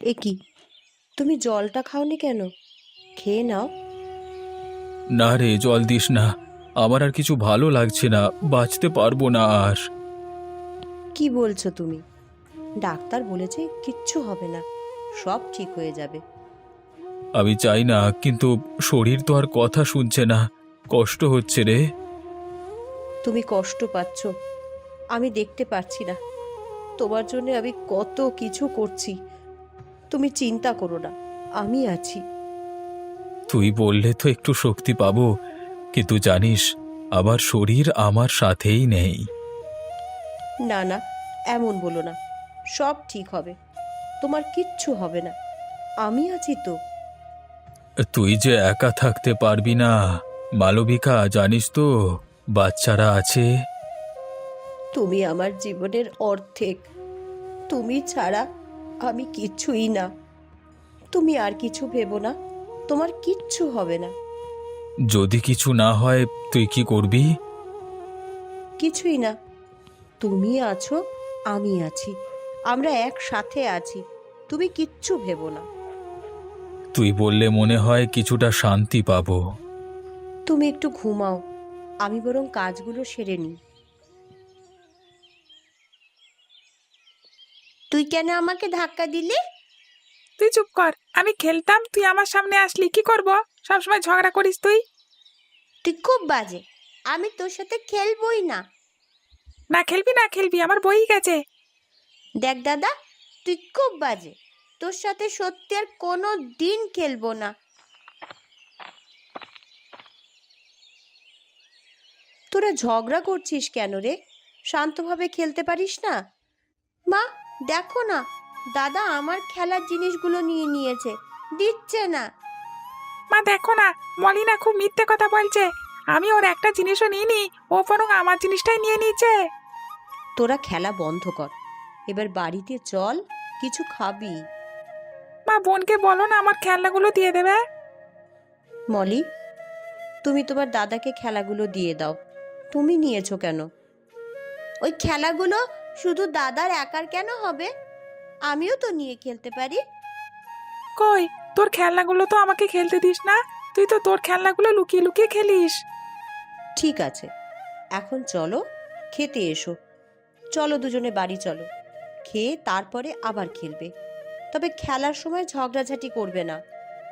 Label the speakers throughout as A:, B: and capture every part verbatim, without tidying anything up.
A: এ কি, তুমি জলটা খাওনি কেন? খেয়ে নাও।
B: না রে, জল দিস না। আমার আর কিছু ভালো লাগছে না, বাঁচতে পারবো না আর।
A: কি বলছো তুমি? ডাক্তার বলেছে কিচ্ছু হবে না, সব ঠিক হয়ে যাবে।
B: আমি চাই না, কিন্তু শরীর তো আর কথা শুনছে না। কষ্ট হচ্ছে রে।
A: তুমি কষ্ট পাচ্ছ, আমি দেখতে পাচ্ছি না। তোমার জন্য আমি কত কিছু করছি। তুমি চিন্তা করো না, আমি আছি।
B: তুই বললে তো একটু শক্তি পাবো, কিন্তু জানিস, আমার শরীর আমার সাথেই নেই।
A: না না, এমন বলো না। সব ঠিক হবে, তোমার কিচ্ছু হবে না, আমি আছি তো।
B: তুই যে একা থাকতে পারবি না মালবিকা, জানিস তো বাচ্চারা আছে।
A: তুমি আমার জীবনের অর্ধেক। তুমি ছাড়া আমি কিছুই না। তুমি আর কিছু ভেবো না, তোমার কিচ্ছু হবে না।
B: যদি কিছু না হয় তুই কি করবি?
A: কিছুই না, তুমি আছো, আমি আছি, আমরা একসাথে আছি। তুমি কিচ্ছু ভেবো না।
B: তুই বললে মনে হয় কিছুটা শান্তি পাবো।
A: তুমি একটু ঘুমাও, আমি বরং কাজগুলো সেরে নিই। তুই কেন আমাকে ধাক্কা দিলি?
C: তুই চুপ কর, আমি খেলতাম, তুই আমার সামনে আসলি, কি করব? সবসময় ঝগড়া করিস তুই।
A: তুই খুব বাজে, আমি তোর সাথে খেলবই না।
C: না খেলবি না খেলবি, আমার বই গেছে।
A: দেখ দাদা, তুই খুব বাজে, তোর সাথে সত্যি আর কোনো দিন খেলবো না। তোরা ঝগড়া করছিস কেন রে? শান্তভাবে খেলতে পারিস না? মা, দেখো না, দাদা আমার খেলার জিনিসগুলো নিয়ে নিয়েছে, দিচ্ছে না।
C: মা দেখো না, মলিনা খুব মিথ্যে কথা বলছে। আমি ওর একটা জিনিসও নিইনি, ও বরং আমার জিনিসটাই নিয়ে নিয়েছে।
A: তোরা খেলা বন্ধ কর, এবার বাড়িতে চল, কিছু খাবি।
C: মা বোনকে বলো না আমার খেলনাগুলো দিয়ে দেবে।
A: মলি, তুমি তোমার দাদাকে খেলাগুলো দিয়ে দাও। তুমি নিয়েছো কেন? ওই খেলাগুলো শুধু দাদার একার কেন হবে? আমিও তো নিয়ে খেলতে পারি।
C: কই, তোর খেলনাগুলো তো আমাকে খেলতে দিস না। তুই তো তোর খেলনাগুলো লুকিয়ে লুকিয়ে খেলিস।
A: ঠিক আছে, এখন চলো, খেতে এসো। চলো দুজনে বাড়ি চলো, খেয়ে তারপরে আবার খেলবে। তবে খেলার সময় ঝগড়াঝাটি করবে না।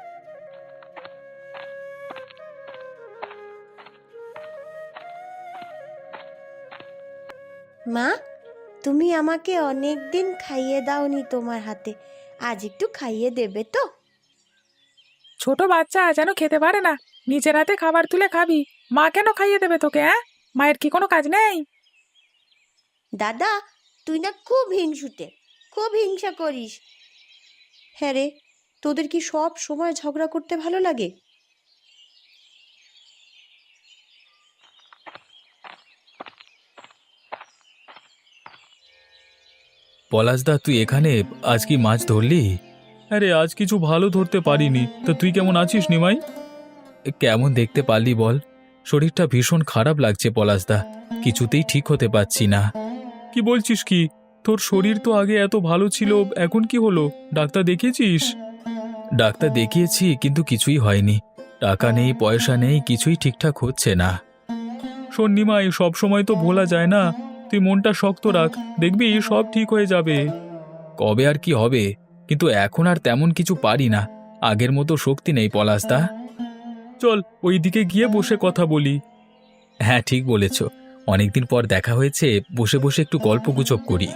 A: মা, তুমি আমাকে অনেক দিন খাইয়ে দাওনি তোমার হাতে, আজ একটু খাইয়ে দেবে তো?
C: ছোট বাচ্চা যেন খেতে পারে না, নিজের হাতে খাবার তুলে খাবি। মা কেন খাইয়ে দেবে তোকে? হ্যাঁ, মায়ের কি কোনো কাজ নেই?
A: দাদা, তুই না খুব হিংসুটে, খুব হিংসা করিস। হ্যাঁ রে, তোদের কি সব সময় ঝগড়া করতে ভালো লাগে?
B: পলাশদা, তুই এখানে? আজ কি মাছ ধরলি? আরে আজ কিছু ভালো ধরতে পারিনি। তা তুই কেমন আছিস নিমাই? কেমন দেখতে পারলি বল? শরীরটা ভীষণ খারাপ লাগছে পলাশদা, কিছুতেই ঠিক হতে পারছি না। কি বলছিস কি? তোর শরীর তো আগে এত ভালো ছিল, এখন কি হলো? ডাক্তার দেখিয়েছিস? ডাক্তার দেখিয়েছি, কিন্তু কিছুই হয়নি। টাকা নেই, পয়সা নেই, কিছুই ঠিকঠাক হচ্ছে না। শোন নিমাই, সব সময় তো ভোলা যায় না। তুই মনটা শক্ত রাখ, দেখবি সব ঠিক হয়ে যাবে। কবে আর কি হবে, কিন্তু এখন আর তেমন কিছু পারি না। আগের মতো শক্তি নেই পলাশদা। চল ওই দিকে গিয়ে বসে কথা বলি। হ্যাঁ, ঠিক বলেছ। অনেকদিন পর দেখা হয়েছে, বসে বসে একটু গল্পগুজব করি।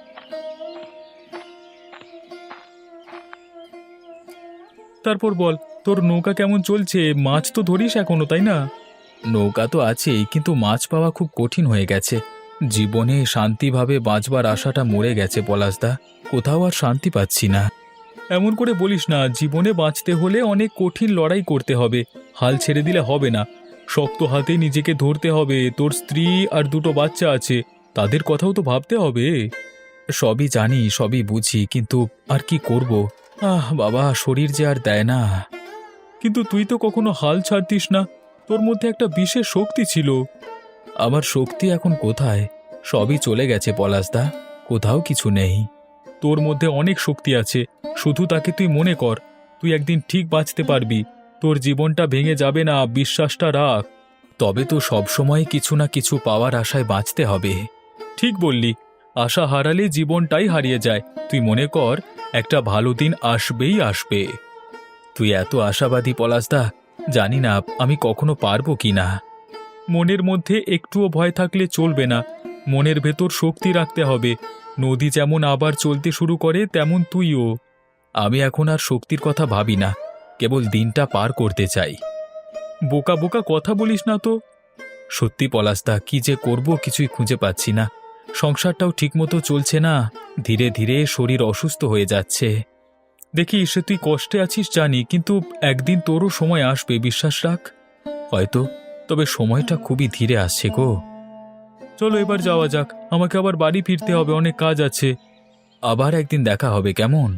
B: তারপর বল, তোর নৌকা কেমন চলছে? মাছ তো ধরিস এখনো, তাই না? নৌকা তো আছেই, কিন্তু মাছ পাওয়া খুব কঠিন হয়ে গেছে। জীবনে শান্তিভাবে বাঁচবার আশাটা মরে গেছে পলাশদা, কোথাও আর শান্তি পাচ্ছি না। এমন করে বলিস না, জীবনে বাঁচতে হলে অনেক কঠিন লড়াই করতে হবে। হাল ছেড়ে দিলে হবে না, শক্ত হাতে নিজেকে ধরতে হবে। তোর স্ত্রী আর দুটো বাচ্চা আছে, তাদের কথাও তো ভাবতে হবে। সবই জানি, সবই বুঝি, কিন্তু আর কি করব? আহ বাবা, শরীর যে আর দেয় না। কিন্তু তুই তো কখনো হাল ছাড়তিস না, তোর মধ্যে একটা বিশেষ শক্তি ছিল। আমার শক্তি এখন কোথায়? সবই চলে গেছে পলাশদা, কোথাও কিছু নেই। তোর মধ্যে অনেক শক্তি আছে, শুধু তাকে তুই মনে কর, তুই একদিন ঠিক বাঁচতে পারবি, তোর জীবনটা ভেঙে যাবে না, বিশ্বাসটা রাখ। তবে তো সবসময় কিছু না কিছু পাওয়ার আশায় বাঁচতে হবে। ঠিক বললি, আশা হারালে জীবনটাই হারিয়ে যায়। তুই মনে কর, একটা ভালো দিন আসবেই আসবে। তুই এত আশাবাদী পলাশদা, জানি না আমি কখনো পারবো কি না। মনের মধ্যে একটুও ভয় থাকলে চলবে না, মনের ভেতর শক্তি রাখতে হবে। নদী যেমন আবার চলতে শুরু করে, তেমন তুইও। আমি এখন আর শক্তির কথা ভাবি না, কেবল দিনটা পার করতে চাই। বোকা বোকা কথা বলিস না তো। সত্যি পলাশদা, কি যে করব কিছুই খুঁজে পাচ্ছি না। সংসারটাও ঠিকমতো চলছে না, ধীরে ধীরে শরীর অসুস্থ হয়ে যাচ্ছে। দেখিস, তুই কষ্টে আছিস জানি, কিন্তু একদিন তোরও সময় আসবে, বিশ্বাস রাখ। হয়তো, তবে সময়টা খুবই ধীরে আসছে গো। চলো এবার যাওয়া যাক, আমাকে আবার বাড়ি ফিরতে হবে, অনেক কাজ আছে। আবার একদিন দেখা হবে, কেমন?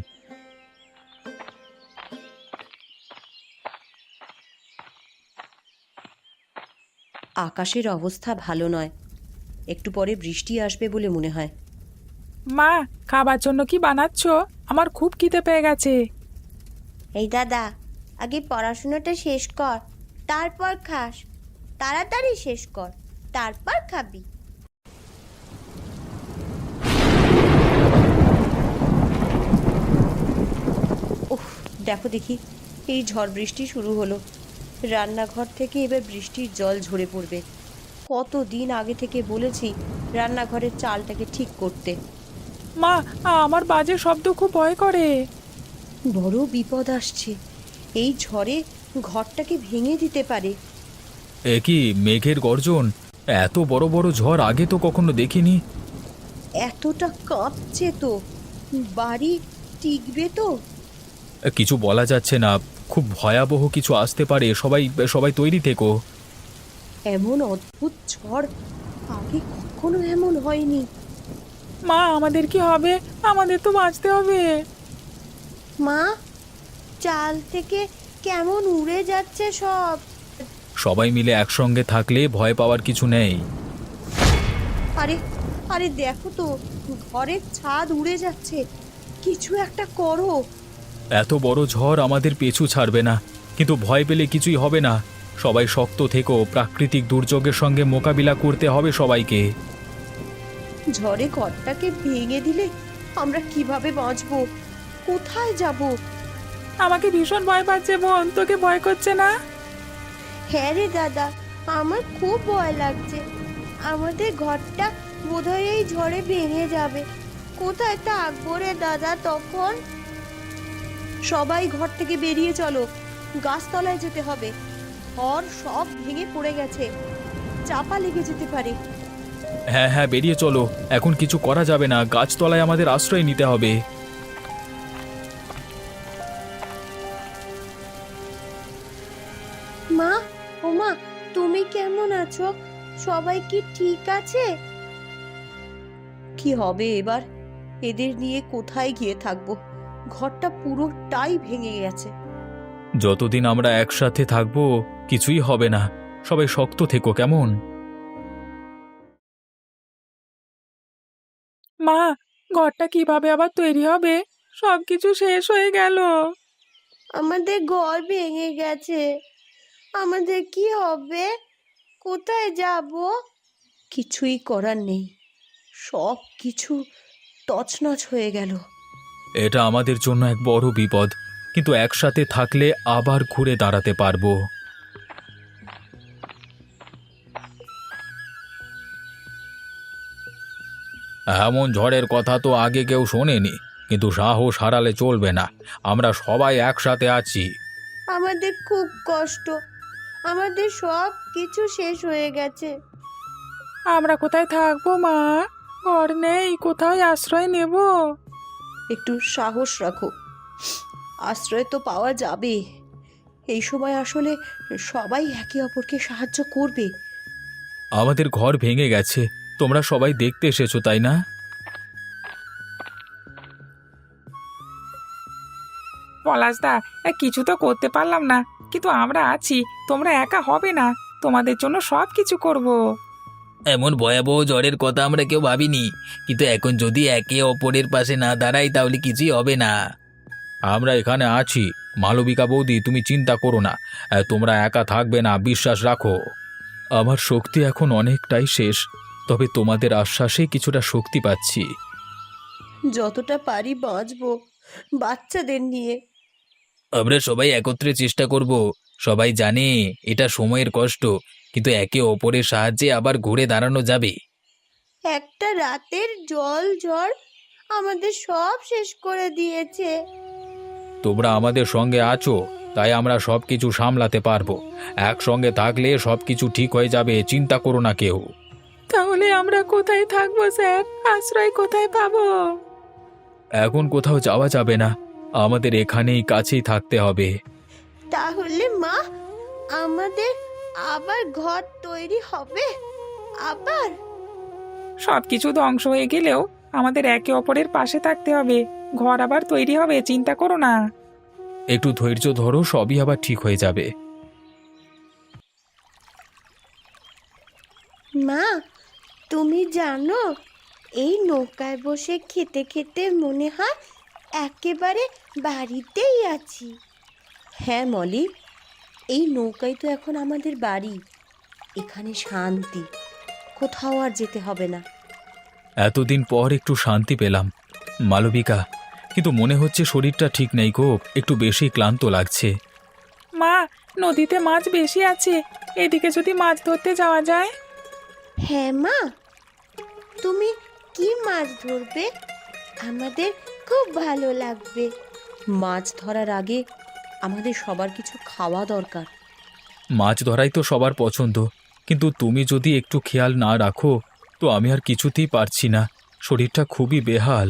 A: আকাশের অবস্থা ভালো নয়, একটু পরে বৃষ্টি আসবে বলে মনে হয়।
C: মা, খাবার জন্য কি বানাচ্ছ? আমার খুব খিদে পেয়ে গেছে।
A: এই দাদা, আগে পড়াশোনাটা শেষ কর, তারপর খাস। তাড়াতাড়ি শেষ কর, তারপর খাবি। উফ, দেখো দেখি, এই ঝড় বৃষ্টি শুরু হলো। রান্নাঘর থেকে এবার বৃষ্টির জল ঝরে পড়বে। কতদিন আগে থেকে বলেছি রান্নাঘরের চালটাকে ঠিক করতে।
C: মা, আমার বাজে শব্দ খুব ভয় করে।
A: বড় বিপদ আসছে, এই ঝড়ে ঘরটাকে ভেঙে দিতে পারে।
B: এ কি মেঘের গর্জন! এত বড় বড় ঝড় আগে তো কখনো দেখিনি।
A: এতটা কাঁপছে তো, বাড়ি টিকবে তো?
B: কিছু বলা যাচ্ছে না, খুব ভয়াবহ কিছু আসতে পারে, সবাই সবাই তৈরি থেকো।
A: এমন অদ্ভুত ঝড় আগে কখনো এমন হয়নি।
C: মা, আমাদের কি হবে? আমাদের তো বাঁচতে হবে।
A: মা, চাল থেকে কেমন উড়ে যাচ্ছে সব।
B: সবাই মিলে একসঙ্গে থাকলে ভয় পাওয়ার কিছু নেই।
A: আরে আরে দেখো তো, ঘরের ছাদ উড়ে যাচ্ছে, কিছু একটা করো।
B: এত বড় ঝড় আমাদের পিছু ছাড়বে না, কিন্তু ভয় পেলে কিছুই হবে না। সবাই শক্ত থেকো, প্রাকৃতিক দুর্যোগের সঙ্গে মোকাবিলা করতে হবে সবাইকে।
A: ঝড়ে ঘরটাকে ভেঙে দিলে আমরা কিভাবে বাঁচবো, কোথায় যাব?
C: আমাকে ভীষণ ভয় পাচ্ছে বোন, তোকে ভয় করছে না?
A: হ্যাঁ রে দাদা, আমার খুব ভয় লাগছে। আমাদের ঘরটা বোধহয় এই ঝড়ে ভেঙে যাবে। কোথায় থাকবো রে দাদা তখন? সবাই ঘর থেকে বেরিয়ে চলো, গাছতলায় যেতে হবে। ঘর সব ভেঙে পড়ে গেছে, চাপা লেগে যেতে পারে।
B: হ্যাঁ হ্যাঁ, বেরিয়ে চলো, এখন কিছু করা যাবে না, গাছতলায় আমাদের আশ্রয় নিতে হবে।
A: মা, ও মা, তুমি কেমন আছো? সবাই কি ঠিক আছে? কি হবে এবার? এদের নিয়ে কোথায় গিয়ে থাকবো? ঘরটা পুরোটাই ভেঙে গেছে।
B: যতদিন আমরা একসাথে থাকবো কিছুই হবে না, সবাই শক্ত থেকো, কেমন?
C: মা, ঘরটা কিভাবে আবার তৈরি হবে? সবকিছু শেষ হয়ে গেল।
A: আমাদের ঘর ভেঙে গেছে, আমাদের কি হবে? কোথায় যাব? কিছুই করার নেই, সব কিছু তছনছ হয়ে গেল।
B: এটা আমাদের জন্য এক বড় বিপদ, কিন্তু একসাথে থাকলে আবার ঘুরে দাঁড়াতে পারবো। এমন ঝড়ের কথা তো আগে কেউ শোনেনি, কিন্তু সাহস হারালে চলবে না, আমরা সবাই একসাথে আছি।
A: আমাদের খুব কষ্ট, আমাদের সব কিছু শেষ হয়ে গেছে।
C: আমরা কোথায় থাকবো মা? ঘর নেই, কোথায় আশ্রয় নেব?
A: একটু সাহস রাখো, আশ্রয় তো পাওয়া যাবে। এই সময় আসলে সবাই একে অপরকে সাহায্য করবে।
B: আমাদের ঘর ভেঙে গেছে, তোমরা সবাই দেখতে এসেছো তাই না?
C: পলাশদা, কিছু তো করতে পারলাম না, কিন্তু আমরা আছি, তোমরা একা হবে না, তোমাদের জন্য সব কিছু করব।
D: এমন ভয়াবহ ঝড়ের কথা আমরা কেউ ভাবিনি, কিন্তু এখন যদি একে অপরের পাশে না দাঁড়াই তাহলে কিছুই হবে না।
B: আমরা এখানে আছি। মালবিকা বৌদি, তুমি চিন্তা করো না। আহ, তোমরা একা থাকবে না, বিশ্বাস রাখো। আমার শক্তি এখন অনেকটাই শেষ, তবে তোমাদের আশ্বাসে কিছুটা শক্তি পাচ্ছি।
A: যতটা পারি বাঁচবো বাচ্চাদের নিয়ে।
D: আমরা সবাই একত্রে চেষ্টা করব। সবাই জানে এটা সময়ের কষ্ট, কিন্তু একে অপরের সাহায্যে আবার ঘুরে দাঁড়ানো যাবে।
A: একটা রাতের জল ঝড় আমাদের সব শেষ করে দিয়েছে।
B: তোমরা আমাদের সঙ্গে আছো, তাই আমরা সব কিছু সামলাতে পারবো। একসঙ্গে থাকলে সব কিছু ঠিক হয়ে যাবে, চিন্তা করো না কেউ।
C: তাহলে আমরা কোথায় থাকবো স্যার? আশ্রয় কোথায় পাবো?
B: এখন কোথাও যাওয়া যাবে না, আমাদের এখানেই কাছেই থাকতে হবে।
A: তাহলে মা, আমাদের আবার ঘর তৈরি হবে? আবার?
C: সবকিছু ধ্বংস হয়ে গেলেও আমাদের একে অপরের পাশে থাকতে হবে। ঘর আবার তৈরি হবে, চিন্তা করো না।
B: একটু ধৈর্য ধরো, সবই আবার ঠিক হয়ে যাবে।
A: মা, তুমি জানো এই নৌকায় বসে খেতে খেতে মনে হয় একেবারে বাড়িতেই আছি। হ্যাঁ মলি, এই নৌকাই তো এখন আমাদের বাড়ি। এখানে শান্তি, কোথাও আর যেতে হবে না।
B: এতদিন পর একটু শান্তি পেলাম মালবিকা, কিন্তু মনে হচ্ছে শরীরটা ঠিক নেই গো, একটু বেশি ক্লান্ত লাগছে।
C: মা, নদীতে মাছ বেশি আছে, এদিকে যদি মাছ ধরতে যাওয়া যায়।
A: হ্যাঁ মা, তুমি কি মাছ ধরবে? আমাদের খুব ভালো লাগবে। মাছ ধরার আগে আমাদের সবার কিছু খাওয়া দরকার।
B: মাছ ধরাই তো সবার পছন্দ, কিন্তু তুমি যদি একটু খেয়াল না রাখো তো আমি আর কিছুতেই পারছি না, শরীরটা খুবই বেহাল।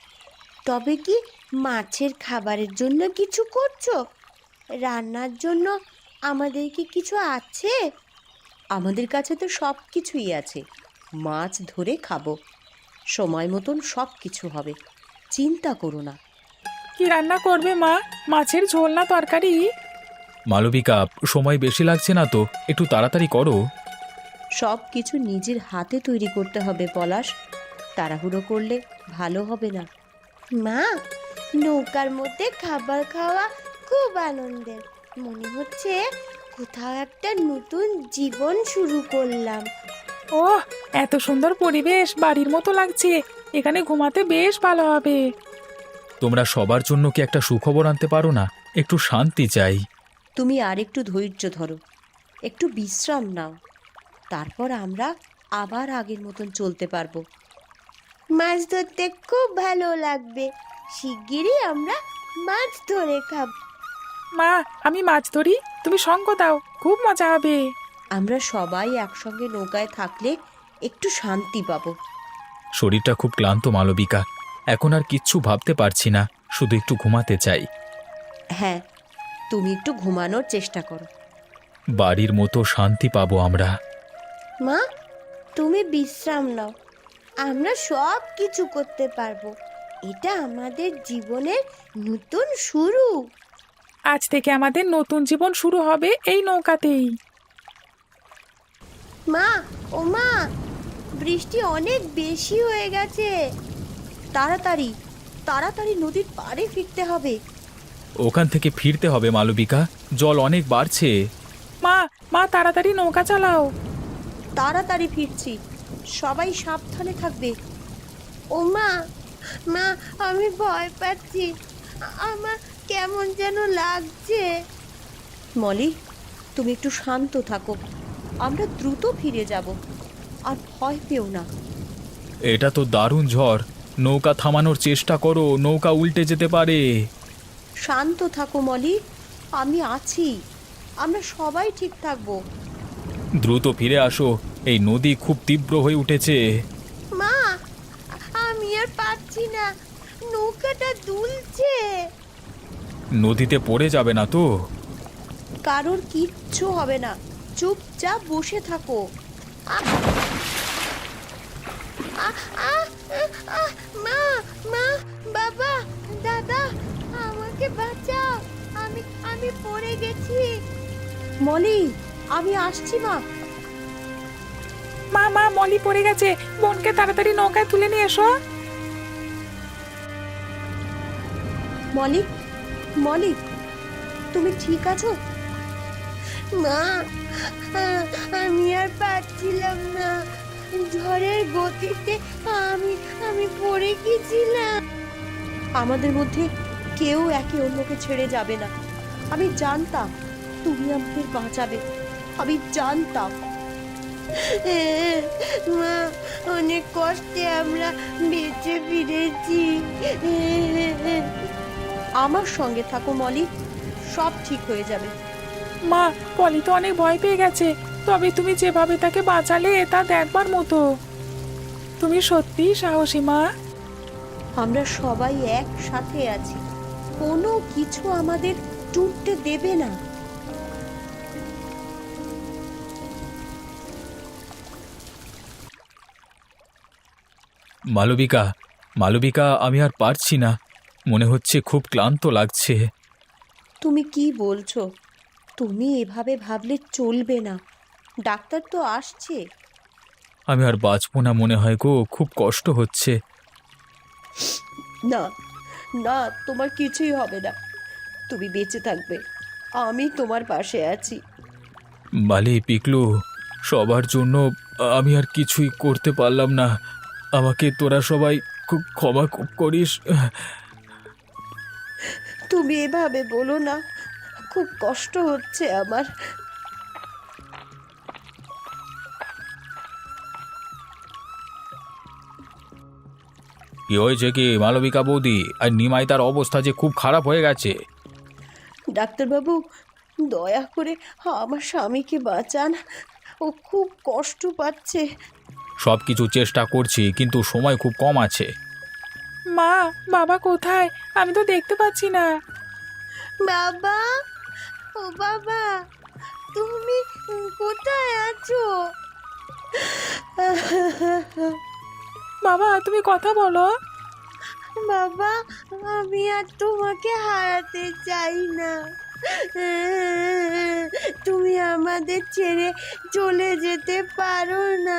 A: তবে কি মাছের খাবারের জন্য কিছু করছো? রান্নার জন্য আমাদের কি কিছু আছে? আমাদের কাছে তো সব কিছুই আছে, মাছ ধরে খাবো, সময় মতন সব কিছু হবে, চিন্তা করো না।
C: কি রান্না করবে মা? মাছের ঝোল না তরকারি?
B: মালবিকা, সময় বেশি লাগছে না তো, একটু তাড়াতাড়ি করো।
A: সব কিছু নিজের হাতে তৈরি করতে হবে পলাশ, তাড়াহুড়ো করলে ভালো হবে না। মা, নৌকার মধ্যে খাবার খাওয়া খুব আনন্দের, মনে হচ্ছে কোথাও একটা নতুন জীবন শুরু করলাম।
C: ওহ, এত সুন্দর পরিবেশ, বাড়ির মতো লাগছে। এখানে ঘুমাতে বেশ ভালো হবে।
B: তোমরা সবার জন্য কি একটা সুখবর আনতে পারো না? একটু শান্তি চাই।
A: তুমি আর একটু ধৈর্য ধরো, একটু বিশ্রাম নাও, তারপর আমরা আবার আগের মতন চলতে পারবো। মাছ ধরতে খুব ভালো লাগবে, শিগগিরই আমরা মাছ ধরে খাব।
C: মা, আমি মাছ ধরি, তুমি সঙ্গ দাও, খুব মজা হবে।
A: আমরা সবাই একসঙ্গে নৌকায় থাকলে একটু শান্তি পাবো।
B: শরীরটা খুব ক্লান্ত মালবিকা, এখন আর কিচ্ছু ভাবতে পারছি না, শুধু একটু ঘুমাতে চাই।
A: হ্যাঁ, তুমি একটু ঘুমানোর চেষ্টা করো।
B: বাড়ির মতো শান্তি পাবো আমরা।
A: মা, তুমি বিশ্রাম নাও, আমরা সব কিছু করতে পারবো। এটা আমাদের জীবনের নতুন শুরু।
C: আজ থেকে আমাদের নতুন জীবন শুরু হবে এই নৌকাতেই।
A: মা, ও মা, বৃষ্টি অনেক বেশি হয়ে গেছে, তাড়াতাড়ি তাড়াতাড়ি নদীর পাড়ে ফিরতে হবে।
B: ওখান থেকে ফিরতে হবে মালবিকা, জল অনেক বাড়ছে।
C: মা, মা তাড়াতাড়ি নৌকা চালাও।
A: তাড়াতাড়ি ফিরছি, সবাই সাবধানে থাকবে। ও মা, মা, আমি ভয় পাচ্ছি, আমার কেমন যেন লাগছে। মলি, তুমি একটু শান্ত থাকো, আমরা দ্রুত ফিরে যাব, আর ভয় পেও না।
B: এটা তো দারুণ ঝড়, নৌকা থামানোর চেষ্টা করো, নৌকা উল্টে যেতে পারে।
A: শান্ত থাকো মলি, আমি আছি, আমরা সবাই ঠিক থাকবো।
B: দ্রুত ফিরে আসো, এই নদী খুব তীব্র হয়ে উঠেছে।
A: মা, আমি আর পারছি না, নৌকাটা দুলছে।
B: নদীতে পড়ে যাবে না তো?
A: কারোর কিচ্ছু হবে না, চুপচাপ বসে থাকো। আহ! আহ! আহ! আহ! মা, মা, বাবা, দাদা, আমাকে বাঁচাও, আমি আমি পড়ে গেছি। মলি, আমি আসছি মা।
C: মা, মা, মলি পড়ে গেছে, বোনকে তাড়াতাড়ি নৌকায় তুলে নিয়ে এসো।
A: মলি, মলি, তুমি ঠিক আছো? মা, আমি আর পারছিলাম না, ঝড়ের গতিতে আমি আমি পড়ে গেছিলাম। আমাদের মধ্যে কেউ একে অন্যকে ছেড়ে যাবে না। আমি জানতাম তুমি আমাদের বাঁচাবে, আমি জানতাম। মা, অনেক কষ্টে আমরা বেঁচে ফিরেছি। আমার সঙ্গে থাকো মলি, সব ঠিক হয়ে যাবে।
C: মা, পলি তো অনেক ভয় পেয়ে গেছে, তবে তুমি যেভাবে তাকে বাঁচালে তা দেখবার মতো। তুমি সত্যিই সাহসী মা।
A: আমরা সবাই একসাথে আছি, কোনো কিছু আমাদের টুটতে দেবে না।
B: মালবিকা, মালবিকা, আমি আর পারছি না, মনে হচ্ছে খুব ক্লান্ত লাগছে।
A: তুমি কি বলছো? তুমি এভাবে ভাবলে চলবে না, ডাক্তার তো আসছে।
B: আমি আর বাঁচবো না মনে হয় গো, খুব কষ্ট হচ্ছে।
A: না না, তোমার কিছুই হবে না, তুমি বেঁচে থাকবে, আমি তোমার পাশে আছি।
B: মালি, পিকলু, সবার জন্য আমি আর কিছুই করতে পারলাম না, আমাকে তোরা সবাই খুব ক্ষমা ক- করিস।
A: তুমি এভাবে বলো না, খুব কষ্ট হচ্ছে আমার।
B: কি হয়েছে কি মালবিকা বৌদি? আর নিমাই, তার অবস্থা যে খুব খারাপ হয়ে গেছে।
A: ডাক্তারবাবু, দয়া করে আমার স্বামীকে বাঁচান, ও খুব কষ্ট পাচ্ছে।
B: সব কিছু চেষ্টা করছি, কিন্তু সময় খুব কম আছে।
C: মা, বাবা কোথায়? আমি তো দেখতে পাচ্ছি না।
A: বাবা, ও বাবা, তুমি কোথায় আছো?
C: বাবা, তুমি কথা বলো।
A: বাবা, আমি আর তোমাকে হারাতে চাই না, তুমি আমাদের ছেড়ে চলে যেতে পারো না।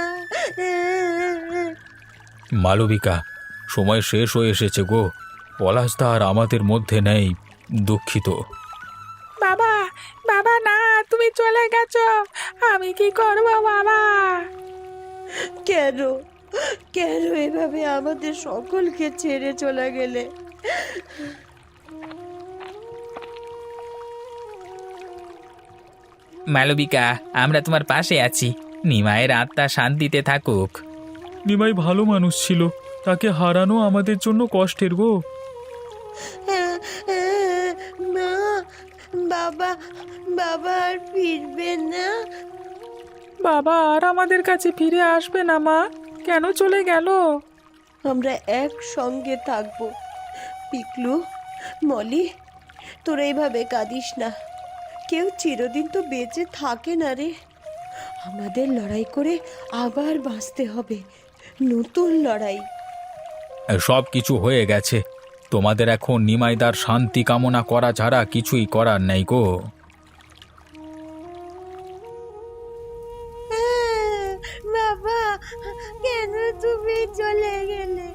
B: মালবিকা, সময় শেষ হয়ে এসেছে গো, পলাশদা আর আমাদের মধ্যে নেই, দুঃখিত।
C: বাবা, বাবা না, তুমি চলে গেছো, আমি কি করবো বাবা?
A: কেন কেন এভাবে আমাদের সকলকে ছেড়ে চলে গেলে?
D: মালবিকা, আমরা তোমার পাশে আছি, নিমায়ের আত্মা শান্তিতে থাকুক।
B: নিমাই ভালো মানুষ ছিল, তাকে হারানো আমাদের জন্য কষ্টের গো।
A: মা, বাবা বাবা আর ফিরবে না?
C: বাবা আর আমাদের কাছে ফিরে আসবে না মা, কেন চলে গেল?
A: আমরা একসঙ্গে থাকবো। পিকলু, মলি, তোরা এইভাবে কাঁদিস না, কেউ চিরদিন তো বেঁচে থাকে না রে। আমাদের লড়াই করে আবার বাঁচতে হবে, নতুন লড়াই।
B: সব কিছু হয়ে গেছে, তোমাদের এখন নিমাইদার শান্তি কামনা করা ছাড়া কিছুই করার নেই গো।
A: বাবা, কেন তুমি চলে গেলে?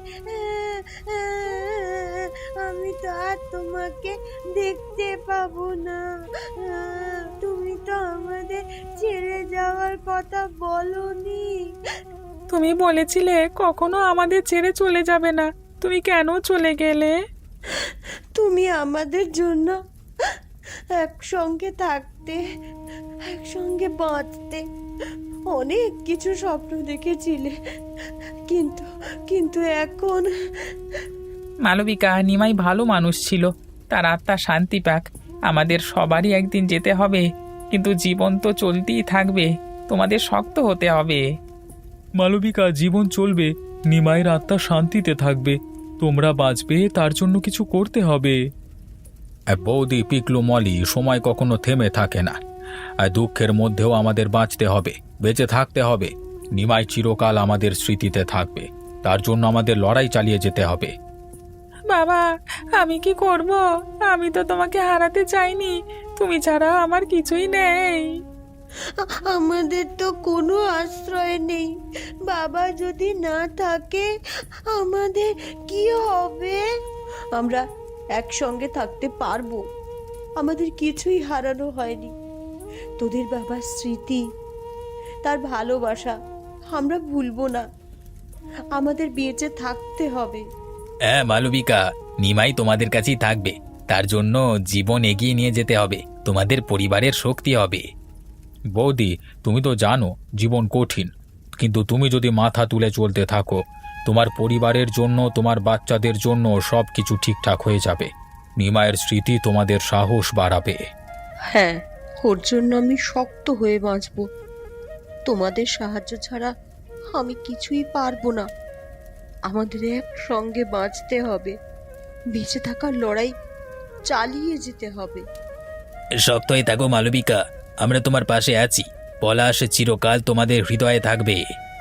A: আমি তো আর তোমাকে দেখতে পাবো না। তুমি তো আমাদের ছেড়ে যাওয়ার কথা বলনি।
C: তুমি বলেছিলে কখনো আমাদের ছেড়ে চলে যাবে না, তুমি কেন চলে গেলে?
A: তুমি আমাদের জন্য একসঙ্গে থাকতে, একসঙ্গে বাঁচতে অনেক কিছু স্বপ্ন দেখেছিলে, কিন্তু কিন্তু এখন
C: মালবিকা, নিমাই ভালো মানুষ ছিল, তার আত্মা শান্তি পাক। আমাদের সবারই একদিন যেতে হবে, কিন্তু জীবন তো চলতেই থাকবে, তোমাদের শক্ত হতে হবে।
B: মালবিকা, জীবন চলবে, নিমাইয়ের আত্মা শান্তিতে থাকবে, তোমরা বাঁচবে তার জন্য কিছু করতে হবে। বৌদি, পিকলু, মলি, সময় কখনো থেমে থাকে না, আর দুঃখের মধ্যেও আমাদের বাঁচতে হবে, বেঁচে থাকতে হবে। নিমাই চিরকাল আমাদের স্মৃতিতে থাকবে, তার জন্য আমাদের লড়াই চালিয়ে যেতে হবে।
C: বাবা, আমি কি করব? আমি তো তোমাকে হারাতে চাইনি, তুমি ছাড়া আমার কিছুই নেই।
A: আমাদের তো কোনো আশ্রয় নেই। বাবা যদি না থাকে আমাদের কি হবে? আমরা একসঙ্গে থাকতে পারবো। আমাদের কিছুই হারানো হয়নি। তোদের বাবার স্মৃতি, তার ভালোবাসা আমরা ভুলবো না। আমাদের বেঁচে থাকতে হবে।
D: হ্যাঁ মালবিকা, নিমাই তোমাদের কাছেই থাকবে। তার জন্য জীবন এগিয়ে নিয়ে যেতে হবে, তোমাদের পরিবারের শক্তি হবে।
B: বৌদি, তুমি তো জানো জীবন কঠিন, কিন্তু তুমি যদি মাথা তুলে চলতে থাকো, তোমার পরিবারের জন্য, তোমার বাচ্চাদের জন্য সব কিছু ঠিকঠাক হয়ে যাবে। নিমাইয়ের স্মৃতি তোমাদের সাহস বাড়াবে।
A: হ্যাঁ, ওর জন্য আমি শক্ত হয়ে বাঁচব। তোমাদের সাহায্য ছাড়া আমি কিছুই পারবো না। আমাদের একসঙ্গে বাঁচতে হবে, বেঁচে থাকার লড়াই চালিয়ে যেতে হবে।
D: শক্ত হয়ে থাকো মালবিকা, আমরা তোমার পাশে আছি। পলাশ চিরকাল তোমাদের হৃদয়ে থাকবে।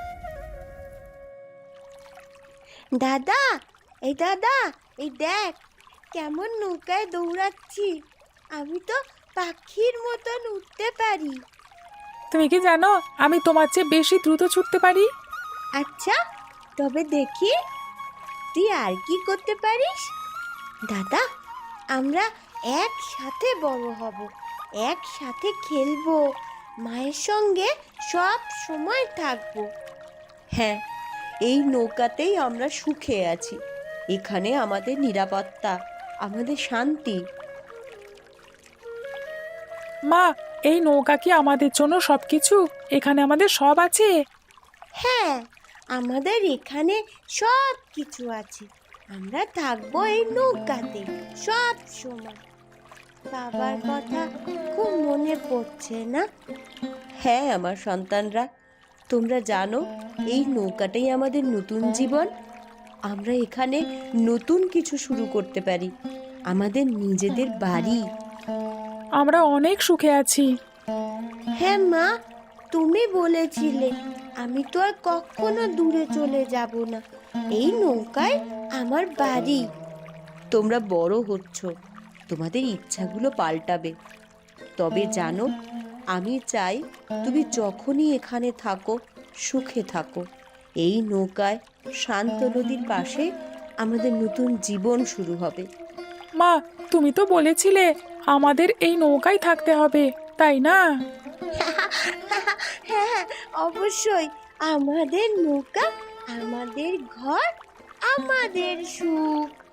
A: দাদা, এই দাদা, এই দেখ কেমন নৌকায় দৌড়াচ্ছি। আমি তো পাখির মতন উঠতে পারি।
C: তুমি কি জানো আমি তোমার চেয়ে বেশি দ্রুত ছুটতে পারি?
A: আচ্ছা, তবে দেখি তুই আর কি করতে পারিস। দাদা, আমরা একসাথে বড় হব, একসাথে খেলবো, মায়ের সঙ্গে সব সময় থাকবো। হ্যাঁ, এই নৌকাতেই আমরা সুখে আছি। এখানে আমাদের নিরাপত্তা, আমাদের শান্তি।
C: মা, এই নৌকা কি আমাদের জন্য সবকিছু? এখানে আমাদের সব আছে।
A: হ্যাঁ, আমাদের এখানে সব কিছু আছে। আমরা থাকবো এই নৌকাতে সব সময়। বাবার কথা খুব মনে পড়ছে না? হ্যাঁ আমার সন্তানরা, তোমরা জানো এই নৌকাটাই আমাদের নতুন জীবন। আমরা এখানে নতুন কিছু শুরু করতে পারি, আমাদের নিজেদের বাড়ি।
C: আমরা অনেক সুখে আছি।
A: হ্যাঁ মা, তুমি বলেছিলে আমি তো আর কখনো দূরে চলে যাব না। এই নৌকায় আমার বাড়ি। তোমরা বড় হচ্ছ, তোমাদের ইচ্ছাগুলো পাল্টাবে। তবে জানো, আমি চাই তুমি যখনই এখানে থাকো সুখে থাকো। এই নৌকায় শান্ত নদীর পাশে আমাদের নতুন জীবন শুরু হবে।
C: মা, তুমি তো বলেছিলে আমাদের এই নৌকায় থাকতে হবে, তাই না?
A: হ্যাঁ, অবশ্যই। আমাদের নৌকা, আমাদের ঘর, আমাদের সুখ।